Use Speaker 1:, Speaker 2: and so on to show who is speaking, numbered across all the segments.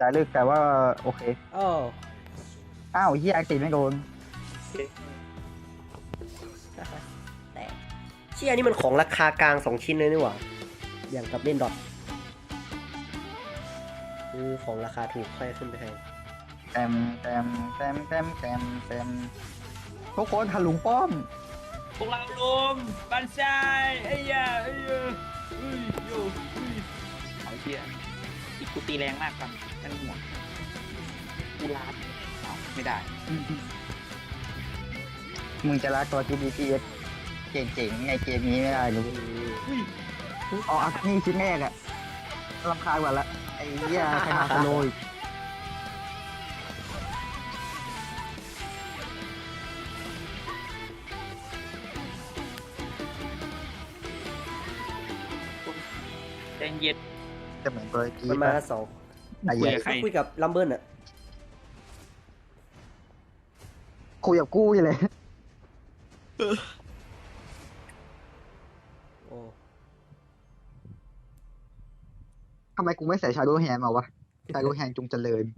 Speaker 1: จ่ายลึกแต่ว่าโอเค
Speaker 2: อ้อ
Speaker 1: อ้าวเฮียอังติไม่โดน
Speaker 2: แต่เชี่ยนี่มันของราคากลาง2ชิ้นเลยนี่หว่าอย่างกับเล่นดอทคือของราคาถูกค่อยขึ้นไปแพง
Speaker 1: แต้มทุกคนถลุงป้อม
Speaker 3: พวกเราลุมบันไซไอ้ยาไอ้ยาโยเอาเชี่ยอีกกูตีแรงมากกันนั่นหัวกูลาดไม่ได้
Speaker 1: มึงจะรักตัว GDPS เจ๋งๆในเกมนี้ไม่ได้หรืออ๋ออักนี่ชิ้นแรกอะรำคาญกว่าละไอ้เหี้ยใครมาสโลย
Speaker 3: ใจเย็น
Speaker 1: จะเหมือนตัวกี
Speaker 2: มันมาสอง
Speaker 1: ไอ้
Speaker 3: คุ
Speaker 1: เหี้
Speaker 3: ย
Speaker 1: ย
Speaker 3: กับใคร
Speaker 2: คุยกับลัมเบิลอะ
Speaker 1: คุยกับกู้อยู่เลย
Speaker 2: โอ้
Speaker 1: ทำไมกูไม่ใส่ชาโดว์แฮนด์มาวะชาโดว์แฮนด์จงเจริญ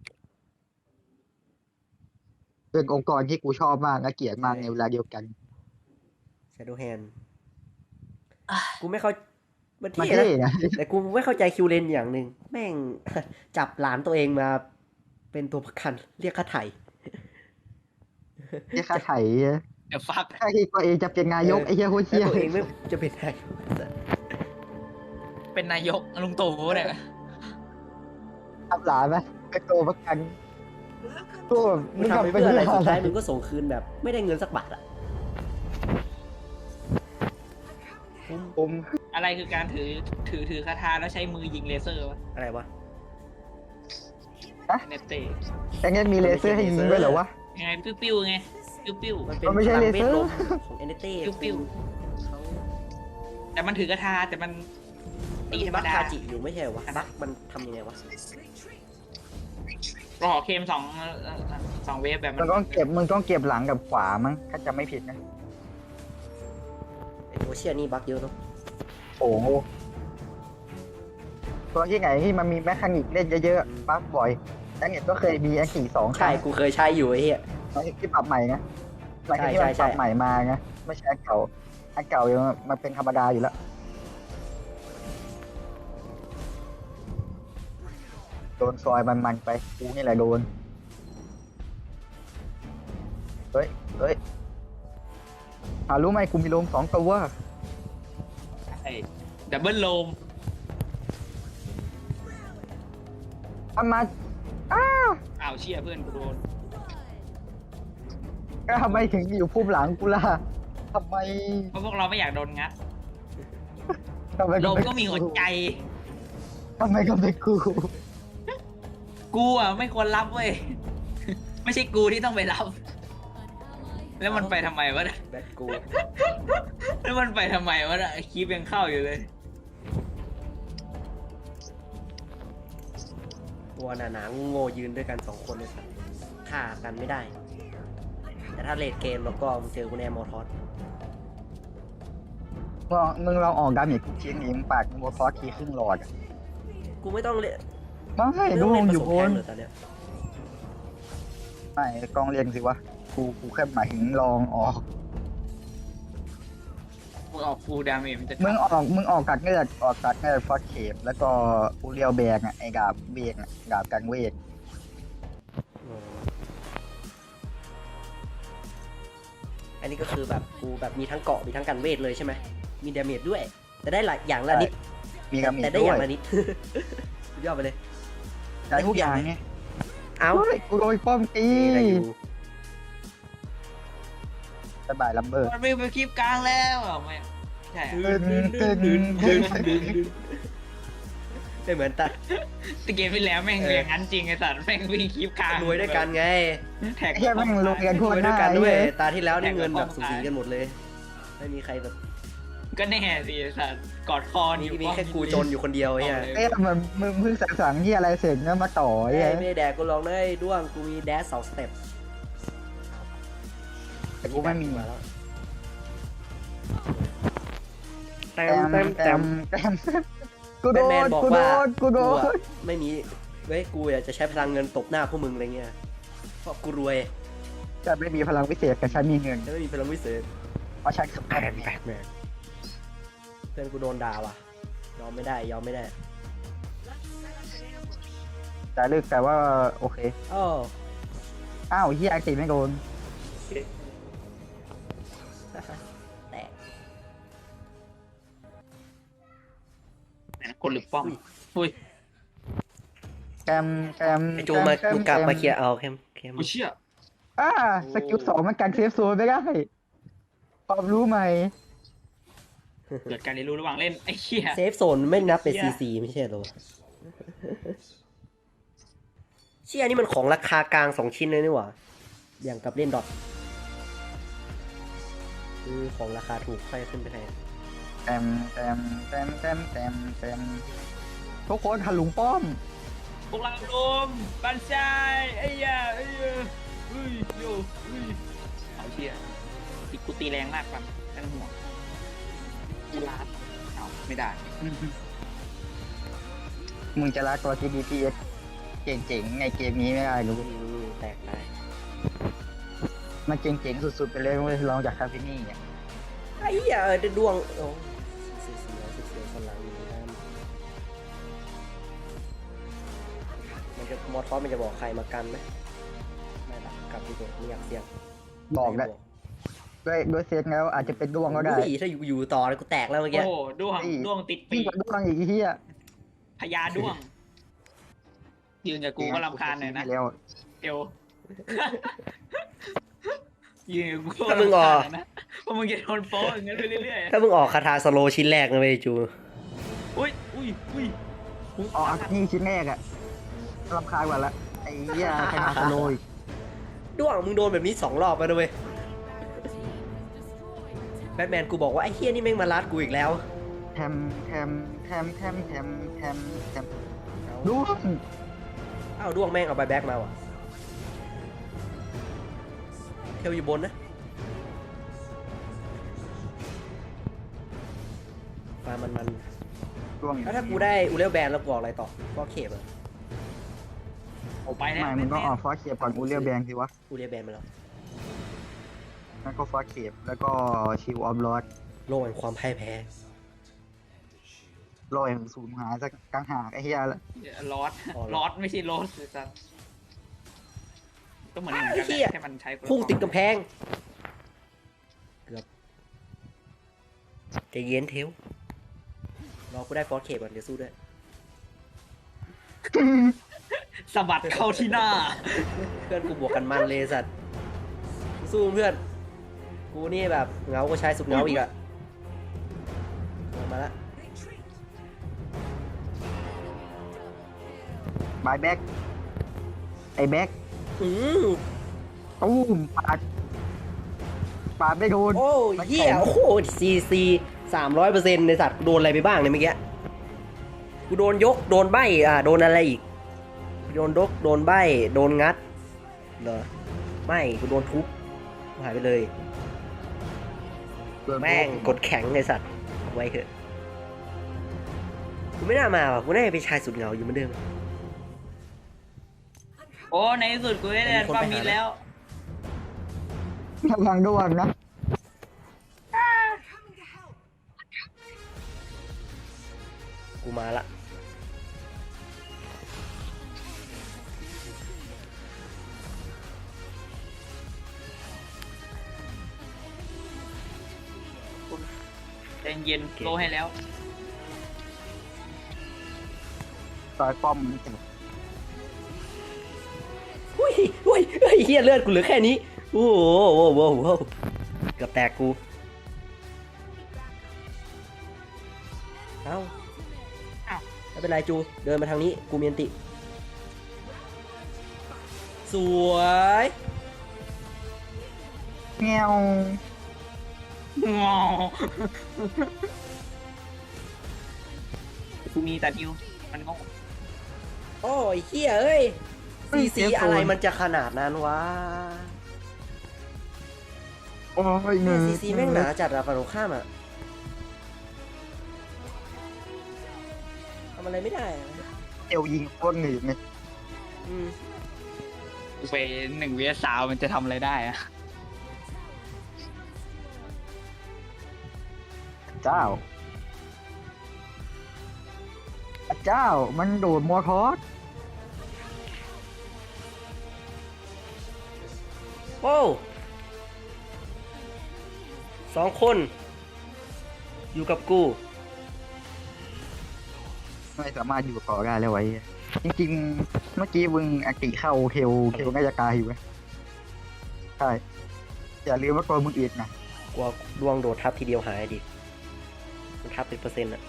Speaker 1: เป็นองค์กรที่กูชอบมากและเกลียดมากในเวลาเดียวกัน
Speaker 2: Shadow Hand กูไม่เข้ามัน
Speaker 1: มัน
Speaker 2: เท่
Speaker 1: เท่
Speaker 2: นะ
Speaker 1: นะ
Speaker 2: แต่กูไม่เข้าใจคิวเลนอย่างหนึ่งแม่ง จับหลานตัวเองมาเป็นตัวประกันเรียกค่าไถ่
Speaker 1: เรียกค่าไถ่
Speaker 3: เดี๋ยวฟัก
Speaker 1: ค่าที่ตัวเองจะเป็นนายกไอ้เหี้ยโคตร
Speaker 2: แล้
Speaker 1: เชี่
Speaker 2: วย ตัวเองไม่จะเป็นไง
Speaker 3: เป็นนายกลุงตู่เนี่ย
Speaker 1: ทำหลานไหมเป็นตัวประกันตัว
Speaker 2: มึงทำไปเพื่ออะไรสุดท้ายมึงก็ส่งคืนแบบ ไม่ได้เงินสักบาทอะ
Speaker 1: ผม
Speaker 3: อะไรคือการถือคาถาแล้วใช้มือยิงเลเซอร์วะ
Speaker 2: อะไรวะ
Speaker 3: เนตเต้
Speaker 1: แต่งั้นมีเลเซอร์ให้ยิงด้วยเหรอวะ
Speaker 3: ยังไงปิ้วๆไงปิ้ว
Speaker 2: มันเป็น
Speaker 1: มันไม่ใช่
Speaker 2: พลัง
Speaker 1: เลเซอร์
Speaker 2: วทมนต์ของเอเนเต้
Speaker 3: ปิ้ว
Speaker 2: เขา
Speaker 3: ๆแต่มันถือกระทาแต่มันตีธรรม
Speaker 2: บัค
Speaker 3: ดา
Speaker 2: คาจิอยู่ไม่ใช่เหรอวะบัคมันทำยังไงวะ
Speaker 3: รอเคมสองเวฟแบบ
Speaker 1: มันต้องเก็บหลังกับขวามั้งถ้าจำไม่ผิดนะ
Speaker 2: ไอโอเชียนี่บัคเยอะเนาะ
Speaker 1: โอ้โหตัวที่ไหนที่มันมีแมคคานิกเล่นเยอะๆปั๊บบ่อยแล้วเนี่ยก็เคยมีแอคที2ค
Speaker 2: ใช่
Speaker 1: รั้ง
Speaker 2: กูเคยใช้อยู่ไอ้เหี้ย
Speaker 1: หลังจากที่ปรับใหม่นะหลังจากที่
Speaker 2: ใช่
Speaker 1: มัน
Speaker 2: ใช่
Speaker 1: ปรับใหม่มานะไม่ใช่อันเก่าอันเก่ายังมันเป็นธรรมดาอยู่แล้วโดนซอยมันไปกูนี่แหละโดนเฮ้ยรู้ไหมกูมีโลม2 ตัว
Speaker 3: ใช่ดับเบิลโลม
Speaker 1: ทำมา
Speaker 3: อ้าวเชี่ยเพื่อนกูโดน
Speaker 1: ก็ทำไมถึงอยู่พุ่มหลังกูล่ะทำไม
Speaker 3: เพราะพวกเราไม่อยากโดนงัด
Speaker 1: ทำไม
Speaker 3: โลม
Speaker 1: เป็น
Speaker 3: ก็มีหัวใจ
Speaker 1: ทำไมก็เป็นกู
Speaker 3: กูอ่ะไม่ควรรับเว้ย ไม่ใช่กูที่ต้องไปรับ แล้วมันไปทำไมวะเนี่ย
Speaker 2: แบทกู
Speaker 3: แล้วมันไปทำไมวะเนี่ยคีบยังเข้าอยู่เลย
Speaker 2: ตัวหนาๆโง่ๆยืนด้วยกัน2คนเลยสัตว์ฆ่ากันไม่ได้ แต่ถ้าเลดเกมแล้วก็มึงเจอกูแน่มอทอส
Speaker 1: มึงลองออกดาเมจชิ้นนี้มึงปากโมฟอสทีครึ่งหลอดอะ
Speaker 2: กูไม่ต้องเล่น
Speaker 1: ไม่ดู
Speaker 2: เล่น
Speaker 1: อยู่บ
Speaker 2: ผสมแท
Speaker 1: น
Speaker 2: งเลยตอนเนี้ย
Speaker 1: ไม่กองเรียงสิวะกูแค่หมายถึงลองออก
Speaker 3: มึงออกฟูลดาเมจมันจะ
Speaker 1: มึงออกกัดเงือกฟอสเคปแล้วก็อูเรียวแบกไอ้ดาบเวกดาบกันเวก
Speaker 2: อันนี้ก็คือแบบกูแบบมีทั้งเกาะมีทั้งกันเวทเลยใช่ไหมมีดาเมจด้วย แต่ได้หลายอย่างละนิด
Speaker 1: มีกระมี
Speaker 2: แต่ได้
Speaker 1: ด้
Speaker 2: อ
Speaker 1: ว
Speaker 2: ย่าย งละนิด สุดยอดไปเลย
Speaker 1: ได้ทุกอย่างไง
Speaker 2: เอ้า
Speaker 1: เฮ้ยกูโดนป้อมตี
Speaker 2: ได้อยู่
Speaker 1: สบายลัมเบอร์
Speaker 3: มันไปคลิปกลางแล้วเหรอไม่ใช่
Speaker 2: ไม่เหมือนตา
Speaker 3: แต่เกมที่แล้วแม่งอย่างนั้นจริงไอ้สัตว์แม่งวิ่งคลิปกลาง
Speaker 2: รวยด้วยกันไง
Speaker 3: แท็ก
Speaker 1: ไอ้เหี้ยแม่งลงกัน
Speaker 2: ร
Speaker 1: ทั่ว
Speaker 2: วย
Speaker 1: ห
Speaker 2: ด้ว
Speaker 1: น้าย
Speaker 2: กันด้วย
Speaker 1: ไอ้เหี้ย
Speaker 2: ตาที่แล้วนี่เงินแบบสูสีกันหมดเลย ไม่มีใครแบบ
Speaker 3: ก็แน่สิไอ้สัตว์กอดคอ
Speaker 2: มีแค่กูจนอยู่คนเดียวไอ้เหี้ย
Speaker 1: เอ๊ะมันมึงเพิ่งสั่งที่อะไรเสร็จแล้วมาต่อไอ้
Speaker 2: เอ้
Speaker 1: เหี้
Speaker 2: ย
Speaker 1: ย
Speaker 2: ไม่ได้แดกกูลองได้ด้วงกูมีแดช2 สเต็ป
Speaker 1: แต่กูไม่มี
Speaker 2: มาแล้ว
Speaker 1: แต้มกูโด
Speaker 2: แบทแมน
Speaker 1: น
Speaker 2: บอก
Speaker 1: กูโด
Speaker 2: ว่าน
Speaker 1: กูโด
Speaker 2: อะ
Speaker 1: น
Speaker 2: ไม่มีเว้ยกูอยากจะใช้พลังเงินตบหน้าพวกมึงอะไรเงี้ยเพราะกูรวย
Speaker 1: จะไม่มีพลังวิเศษแต่ฉันมีเงิน
Speaker 2: จะไม่มีพลังวิเศษ
Speaker 1: เพราะฉันคือแบทแมน
Speaker 2: เพื่อนกูโดนด่าว่ะยอมไม่ได้ยอมไม่ได้
Speaker 1: แต่เลือกแต่ว่าโอเค
Speaker 2: อ้อ
Speaker 1: อ้าวเฮียอักติไม่โดน
Speaker 2: แตก
Speaker 3: คนหรือป้อมอุ้ย
Speaker 1: แกม
Speaker 2: ไอโจมามึงกลับมาเคลียร์เอาเข้ม
Speaker 3: กูเชื่อ
Speaker 1: สกิล2มันกันเซฟโซนไม่ได้ความรู้ไหม
Speaker 3: เกิดการเรียนรู้ระหว่างเล่นไอ้เหี้ย
Speaker 2: เซฟโซนไม่นับเป็นซีซีไม่ใช่เหรอเชี่ยนี่มันของราคากลาง2ชิ้นเลยนี่หว่าอย่างกับเล่นดอทคือของราคาถูกค่อยขึ้นไปแพง
Speaker 1: แตมทุกคนหันหลุงป้อม
Speaker 3: พวกเราลมบันชายไอ้เหี้ยไอ้เหี้ยอุ้ยโยอุ้ยเอาเชี่ยติกูตีแรงมากกันไม่ต้องห่วงกูลาดเอาไม่ได้
Speaker 1: มึงจะรักตัวที่ DPS เจ๋งๆในเกมนี้ไม่ได้หรือ
Speaker 2: แตกได้
Speaker 1: มันเจ๋งๆสุดๆไปเลยเว้ยลองจากคาเฟนี่เนี่ย
Speaker 2: ไอ้เหี้ยได้ดวงโอ้เสียคนหลังอยู่นะมันจะมอทอสมันจะบอกใครมากันไหมไม่หรอกกลับดีกว่าไม่อยากเสี่ยง
Speaker 1: บอกได้ด้วยเซตแล้วอาจจะเป็นดวงก็ได้
Speaker 2: อุ้ยถ้าอยู่ต่อเลยกูแตกแล้วเมื่อกี้
Speaker 3: โอ้ด้วงด้วงติดปี
Speaker 1: ยิ่ง
Speaker 3: ก
Speaker 1: กว่าดวงอีกเฮีย
Speaker 3: พญาด้วงยืนกับกูก็รำคาญหน่อยนะ
Speaker 1: แล้ว
Speaker 3: เอวยืนกับกู
Speaker 2: ถ้ามึงออก
Speaker 3: นะเพราะมึงจะโดนโป๊ะอย่างนั้นไปเรื่อย
Speaker 2: ถ้ามึงออกคาถาสโลชิ้นแรกนะเว้ยจู
Speaker 3: ๆอุ้ยอุ้ย
Speaker 1: ออกอักนี่ชิ้นแรกอะรำคาญกว่าละไอ้เหี้ยใครมาสโลย
Speaker 2: ด้วงมึงโดนแบบนี้2 รอบไปนะเว้ยแบทแมนกูบอกว่าไอ้เฮียนี่แม่งมาลัดกูอีกแล้ว
Speaker 1: แทมดวง
Speaker 2: อ้าวด้วงแม่งเอาใบแบ็กมาว่ะเทลอยู่บนนะมามัน
Speaker 1: ดวง
Speaker 2: แล้วถ้ากูได้อูเรลแบนแล้วกูออกอะไรต่อก็เข็บอะ
Speaker 3: โอ้ไปแล้ว
Speaker 1: ไม่มึงก็ออกฟอสเคปก่อนอูเรียลแบงสิวะ
Speaker 2: อูเรลแบนมาแล้ว
Speaker 1: แล้วก็ฟอสเคปแล้วก็ชิวออฟลอด
Speaker 2: โลกแห่งความพ่ายแพ้
Speaker 1: ลอยสูญหายสักกลางหากไอ้เหี้ยละ
Speaker 3: ลอดไม่ใช่ลอดเลยสัสก็เหมือนกันแหละแค่มันใช้
Speaker 2: พุ่งติดกำแพงเกือบใจเย็นเทลรอกูได้ฟอสเคปก่อนเดี๋ยวสู้ด้วย
Speaker 3: สะบัดเข้าที่หน้า
Speaker 2: เพื่อนกูบวกกันมันเลยสัตว์สู้เพื่อนกูนี่แบบเหงาก็ใช้สุดเหงาอีกอะมาละ
Speaker 1: บายแบ็กไอ้แบ็ก
Speaker 2: อืม
Speaker 1: ตู้มปาดไม่โดน
Speaker 2: โอ้ยเหี้ยโอ้โหCC 300%ในสัตว์กูโดนอะไรไปบ้างเนี่ยเมื่อกี้กูโดนยกโดนใบโดนอะไรอีกโดนโดนใบโดนงัดเหรอไม่กูโดนทุบหายไปเลยแม่งกดแข็งในสัตว์ไว้เถอะกูไม่น่ามาว่ะกูน่าจะเป็นชายสุดเหงาอยู่เหมือนเดิม
Speaker 3: โอ้ในที่สุดกูได้เรียนความมิตรแล้ว
Speaker 1: กำลังดวงนะ
Speaker 2: กูมาละ
Speaker 3: ใจเย็นโลให้แล้ว
Speaker 1: ต่อยป้อม
Speaker 2: อุ้ยเฮียเลือดกูเหลือแค่นี้โอ้โหเกือบแตกกูเอ้าไม่เป็นไรจูเดินมาทางนี้กูมีอันติสวย
Speaker 1: แงว
Speaker 3: งอกูมีแต่ดิวมันงง
Speaker 2: โอ้ยเฮียเอ้ยซีอะไรมันจะขนาดนั้นวะ
Speaker 1: โอ้ย
Speaker 2: เนี่ยซีแม่งหนาจัดอะฝั่งตรงข้ามอะทำอะไรไม่ได้อะ
Speaker 1: เอวยิงโคตรหนืดเลย
Speaker 2: อืม
Speaker 3: ไป1 vs 3มันจะทำอะไรได้อะ
Speaker 1: เจ้าเจ้ามันโดดมัวทอส
Speaker 2: โอ้2 คน อยู่กับกู
Speaker 1: ไม่สามารถอยู่ต่อได้แล้วไว้จริงๆเมื่อกี้มึงอากิเข้าเคลน่าจะกายอยู่ไหมใช่อย่าลืมว่าตัวมึงอีกนะ
Speaker 2: กลัวดวงโดดทับทีเดียวหายดิ มันทับเป็นเปอร์เซ็นต์อะ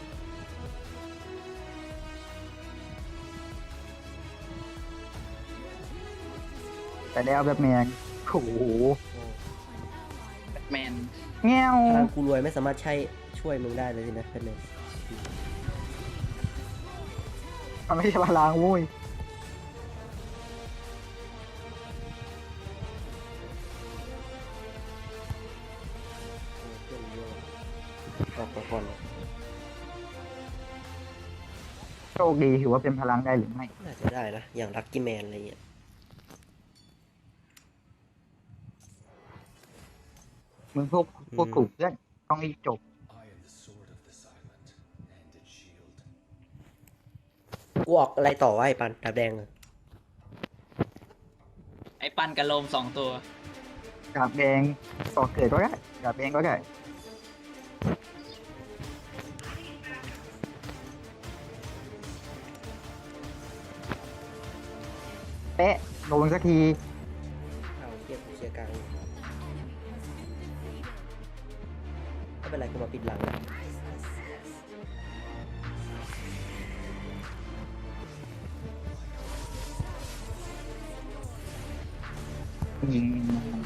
Speaker 1: แต่แล้วแบบแมนโอ้โห
Speaker 3: แบทแมน
Speaker 1: แง่ว
Speaker 2: พลังกูรวยไม่สามารถใช้ช่วยมึงได้เลยสินะเป็นไง
Speaker 1: มันไม่ใช่พลังโว้ย
Speaker 2: ออกก่อนเลย
Speaker 1: โชคดีถือว่าเป็นพลังได้หรือไม่
Speaker 2: น่าจะได้นะ อย่างลัคกี้แมนอะไรเงี้ย
Speaker 1: มึงพวกถูกเพื่อนต้องรีบจบ
Speaker 4: I am the sword of this island and its shield.
Speaker 2: กูออกอะไรต่อวะไอ้ปันดาบแดงอะ
Speaker 3: ไอ้ปันกับโลม2 ตัว
Speaker 1: ดาบแดงต่อเกิดก็ได้ดาบแดงก็ได้เป๊ะโดนสักที
Speaker 2: เอาเทียบเคลียร์กลางไม่เป็นไรกูมาปิดหลังนะ
Speaker 1: ยิง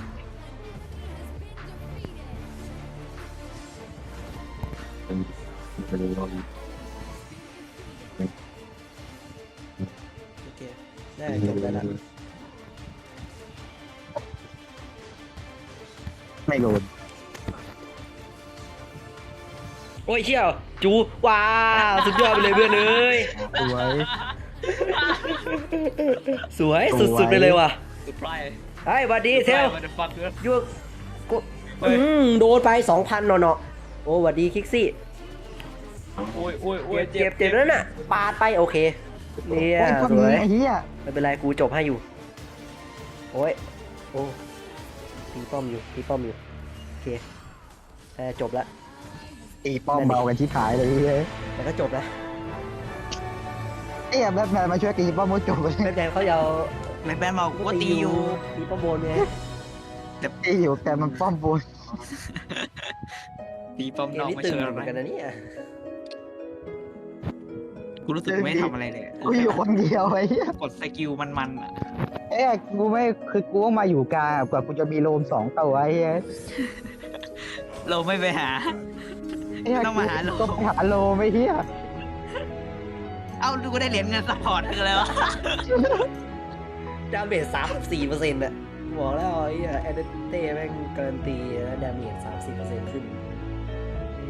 Speaker 2: โอเค ได้จบได้ละ
Speaker 1: ไม่โดน
Speaker 2: โอ้ยเชี่ยวจูว้าวสุดยอดไปเลยเพื่อนเอ้ย
Speaker 1: สวย
Speaker 2: สวยสุดๆไปเลยว่ะ
Speaker 3: สุดไพรส์
Speaker 2: ไอ้ยหวัดดีเทล
Speaker 3: มันจะฟักเยอะ
Speaker 2: ยูกู
Speaker 3: เฮ้ย
Speaker 2: โดนไป 2,000เนาะๆโอ้หวัดดีคิกซี่
Speaker 3: โอ้ยโอ้ยโอ้ย
Speaker 2: เจ็บแล้วน่ะปาดไปโอเคเนี่ย
Speaker 1: โอ้ยพวก
Speaker 2: สว
Speaker 1: นี้
Speaker 2: ย
Speaker 1: ไอ้เหี้ย
Speaker 2: ไม่เป็นไรกูจบให้อยู่โอ้ยโอ้ตีป้อมอยู่โอเคจบละ
Speaker 1: ตีป้อมเบากันชิบหายเลยเฮ้ย
Speaker 2: แต่ก็จบละ
Speaker 1: เอ๊ะแบทแมนมาช่วยตีป้อมมุดจบเลย
Speaker 2: แม่แดงเขาจะเอา
Speaker 3: แบทแมนบอกว่าตีอยู่
Speaker 2: ตีป้อมบนไง
Speaker 1: ตีอยู่แต่มันป้อมบน
Speaker 3: ตีป้อม
Speaker 2: เก
Speaker 3: น
Speaker 2: ม
Speaker 3: อก
Speaker 2: นี้
Speaker 3: ไม่
Speaker 2: ตึง
Speaker 3: เชิญ
Speaker 2: เหมือนกันนะเนี่ย
Speaker 3: กูรู้สึกไม่ทำอะไรเลย
Speaker 1: กูอยู่คนเดียวไอ้เหี้ย
Speaker 3: กดสกิลมันๆอ่ะ
Speaker 1: เอ๊ะกูไม่คือกูก็มาอยู่กลางกว่ากูจะมีโลม2 ตัวไอ้เหี้ย
Speaker 3: เราไม่ไปหา
Speaker 1: เอ๊ะ
Speaker 3: ต้องมาหาโลม
Speaker 1: ก็ไปหาโลมไอ้เหี้ย
Speaker 3: เอ้าดูก็ได้เหรียญเงินซัพพอร์ตคืออะไรวะ
Speaker 2: ดาเมจ34%น่ะบอกแล้วไอ้แอนเดเต้แม่งการันตีดาเมจ34%ขึ้น